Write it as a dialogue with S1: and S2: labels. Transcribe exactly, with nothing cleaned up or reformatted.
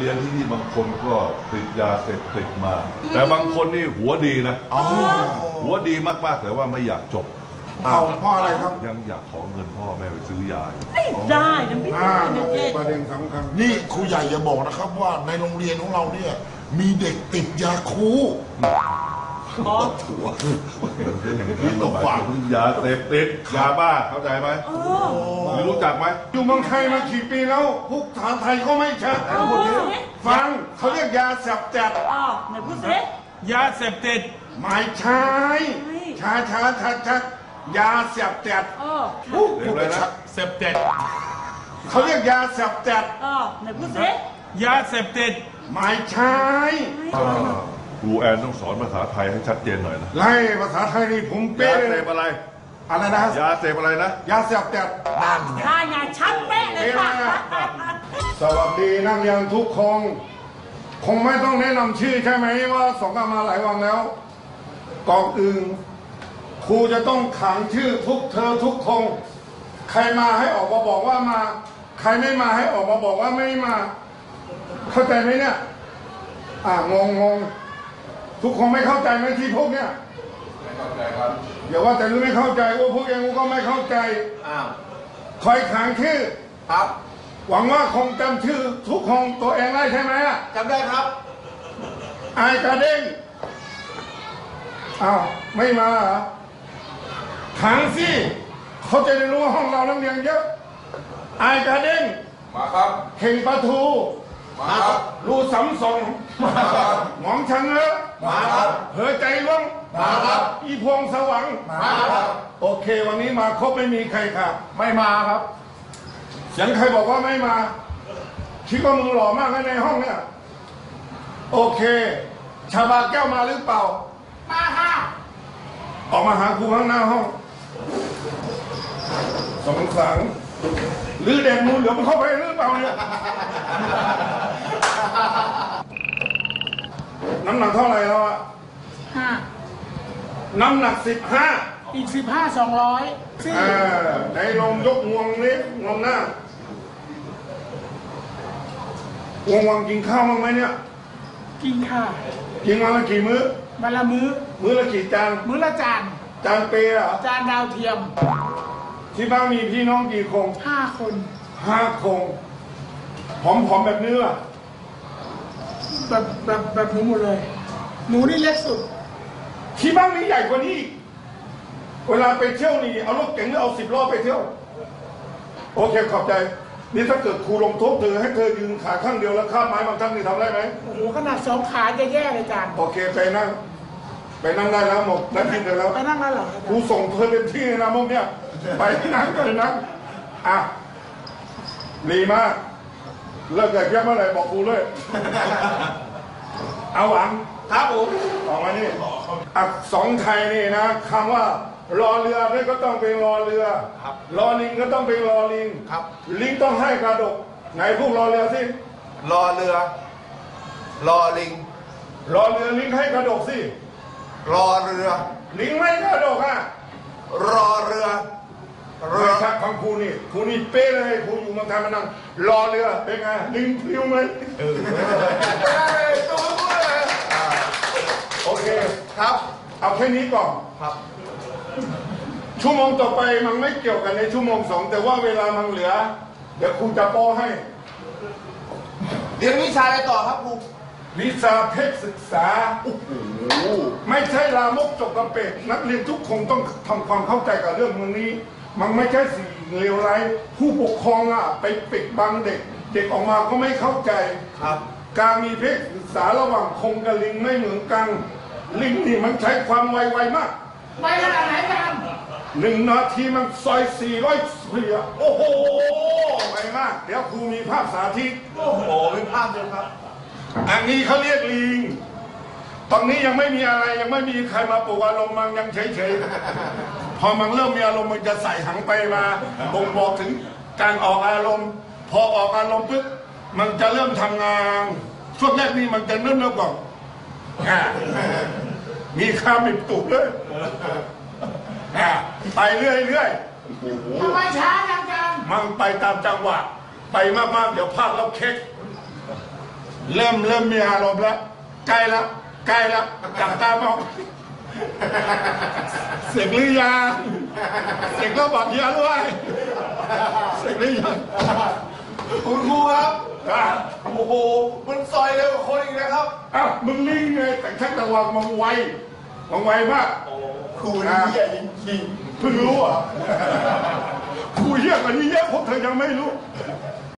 S1: เรียนที่นี่บางคนก็ติดยาเสพติดมาแต่บางคนนี่หัวดีนะหัวดีมากๆแต่ว่าไม่อยากจบ
S2: เอาพ่ออะไรครับ
S1: ยังอยากขอเงินพ่อแม่ไปซื้อยา
S3: ไม่ได้นะพี่
S2: ประเด็นสำคัญนี่ครูใหญ่อย่าบอกนะครับว่าในโรงเรียนของเราเนี่ยมีเด็กติดยาคู
S3: อ๋อ
S1: ถั่วนี่ต้องฝากยาเสพติดยาบ้าเข้าใจไหมไม่รู้จักไหม
S2: อยู่เมืองไทยมากี่ปีแล้วพวกภาษาไทยก็ไม่ชัดฟังเขาเรียกยาเสพติด
S3: อ๋อไหนพูดสิ
S4: ยาเสพติด
S2: ไม่ใช่ช้าช้าชัดชัดยาเสพติด
S3: อ๋อ
S1: เรียกอะไรนะ
S4: เสพติด
S2: เขาเรียกยาเสพติด
S3: อ๋อไหนพูดสิ
S4: ยาเสพติด
S2: ไม่ใช่
S1: ครูแอนต้องสอนภาษาไทยให้ชัดเจนหน่อยนะ
S2: ไล่ภาษาไทยนี่ผมเป๊ะ
S1: ยาเสพอะไร
S2: อะไรนะ
S1: ยาเสพอะไรนะ
S2: ยาเสพติด
S3: นั่นไงใช่ไงชัดเป๊ะเลยค่ะ
S2: สวัสดีนักเรียนทุกคนคงไม่ต้องแนะนำชื่อใช่ไหมว่าสองกันมาหลายวันแล้วก่อนอื่นครูจะต้องขังชื่อทุกเธอทุกคนใครมาให้ออกมาบอกว่ามาใครไม่มาให้ออกมาบอกว่าไม่มาเข้าใจไหมเนี่ยอ่างงงงทุกคนไม่เข้าใจไหมที่พวกเนี้ย
S1: ไม่เข้าใจครับ
S2: อย่าว่าแต่รู้ไม่เข้าใจว่าพวกเองก็ไม่เข้าใจ
S4: อ้าว
S2: คอยขังชื่อ
S4: ครับ
S2: หวังว่าคงจำชื่อทุกคนตัวเองได้ใช่ไหม
S4: จำได้ครับ
S2: ไอ้กระเด้งอ้าวไม่มาเหรอขังสิเขาจะได้รู้ว่าห้องเรานักเรียนเยอะไอ้กระเด้ง
S1: มาครับ
S2: เข่งปลาทู
S1: มาครับ
S2: รูสำสอง
S1: มาครับ
S2: หมองชังเออ
S1: มาครับ
S2: เหือใจล่วง
S1: มาครับ
S2: อีพวงสว่าง
S1: มาครับ
S2: โอเควันนี้มาครบไม่มีใครค่ะ
S4: ไม่มาครับ
S2: เสียงใครบอกว่าไม่มาคิดว่ามึงหล่อมากในห้องเนี่ยโอเคชาบาแก้วมาหรือเปล่า
S3: มาค่ะ
S2: ออกมาหาครูข้างหน้าห้องสองสังหรือแดงมูลเหลือมันเข้าไปหรือเปล่าเนี่ยน้ำหนักเท่าไหร่แล้วอะ
S3: ห้า
S2: น้ำหนักสิบห้า
S3: อีกสิบห้าสองร้อย
S2: อ่าในลงยกงวงนี้งวงหน้า วงวังกินข้าวบ้างไหมเนี่ย
S3: กินค่ะ
S2: กินวันละกี่มื้อ
S3: วันละมื้อ
S2: มื้อละกี่จาน
S3: มื้อละจาน
S2: จานเปย์เหรอ
S3: จานดาวเทียม
S2: ที่บ้านมีพี่น้องกี่คน
S3: ห้าคน
S2: ห้าคนผอมๆแบบนี้ล่ะ
S3: แบบแบบแบบหนูหมดเลยหนูนี่เล็กสุด
S2: ที่บ้านนี้ใหญ่กว่านี้เวลาไปเที่ยวนี่เอารถเก๋งหรือเอาสิบล้อไปเที่ยวโอเคขอบใจนี่ถ้าเกิดครูลงโทษเธอให้เธอยืนขาข้างเดียวแล้วข้ามไม้บางท่านนี่ทำได้ไหม
S3: โอ้โหขนาดสองขาจะแย่เลยจาน
S2: โอเคไปนั่งไปนั่งได้แล้วหมดนั่งกินได้แล้ว
S3: ไปนั่งได้หรอ
S2: ครูส่งเธอเต็มที่นะมุกเนี่ยไปนั่งกันนั่งอ่ะดีมากเลิกกับเพี้ยเมื่อไหร่บอกครูเลยเอาหวัง
S4: ครับผม
S2: ออกมานี่อักษรไทยนี่นะคำว่ารอเรือนี่ก็ต้องเป็นรอเรือรอลิงก็ต้องเป็นรอลิง
S4: ครับ
S2: ลิงต้องให้กระดกไหนพูดรอเรือสิ
S4: รอเรือรอลิง
S2: รอเรือลิงให้กระดกสิ
S4: รอเรือ
S2: ลิงไม่กระดกอ่ะ
S4: รอเรือ
S2: เรือชักของครูนี่ครูนี่เป๊ะเลยครูอยู่เมืองไทยมานั่งรอเรือเป็นไงลิงพลิ้วไหมเออตัวพูดเลยโอเค
S4: ครับ
S2: เอาแค่นี้ก่อน
S4: ครับ
S2: ชั่วโมงต่อไปมันไม่เกี่ยวกันในชั่วโมงสองแต่ว่าเวลามันเหลือเดี๋ยวครูจะป้อให้
S4: เรียนวิชาอะไรต่อครับครู
S2: วิชาเพศศึกษาโอ้โหไม่ใช่ลามกจกกระเป็ดนักเรียนทุกคนต้องทำความเข้าใจกับเรื่องมึงนี้มันไม่ใช่สิ่งเลวร้ายผู้ปกครองอ่ะไปปิดบังเด็กเด็กออกมาก็ไม่เข้าใจ
S4: ครับ
S2: การมีเพศศึกษาระหว่างคงกับลิงไม่เหมือนกันลิงนี่มันใช้ความไวๆมาก
S3: ไวขนาดไหนกัน
S2: หนึ่งนาทีมันซอยสี่ร้อยเสียโอ้โหไวมากเดี๋ยวครูมีภาพสาธิต
S4: โอ้โหเป็นภาพเดียวครับ
S2: อันนี้เขาเรียกลิงตอนนี้ยังไม่มีอะไรยังไม่มีใครมาปลุกอารมณ์มันยังเฉยๆพอมันเริ่มมีอารมณ์มันจะใส่หังไปมาบ่งบอกถึงการออกอารมณ์พอออกอารมณ์ปุ๊บมันจะเริ่มทำงานช่วงแรกนี่มันจะเริ่มเริ่มก่อนมีข้ามิบตุกเลยไปเรื่อย
S3: ๆทำไมช้าจังจัง
S2: มันไปตามจังหวะไปมากๆเดี๋ยวพลาดแล้วเค้กเริ่มเริ่มมีอารมณ์แล้วใกล้แล้วใกล้แล้วจับตามองเสกหรือยังเสกแล้วบอกยาด้วยเสกหรือยัง
S4: คุณครูครับ
S2: อ่ะ
S4: โอ้โหมันซอยเร็วกว่าคนอีกนะครับ
S2: อ้าวมึงลิงไงแต่ชักตะวังมังไวมังไวมาก
S4: ครูนี่ใหญ่จริง
S2: เพิ่งรู้อ่ะครูเยอะกว่านี้เยอะพวกเธอยังไม่รู้
S4: ๆ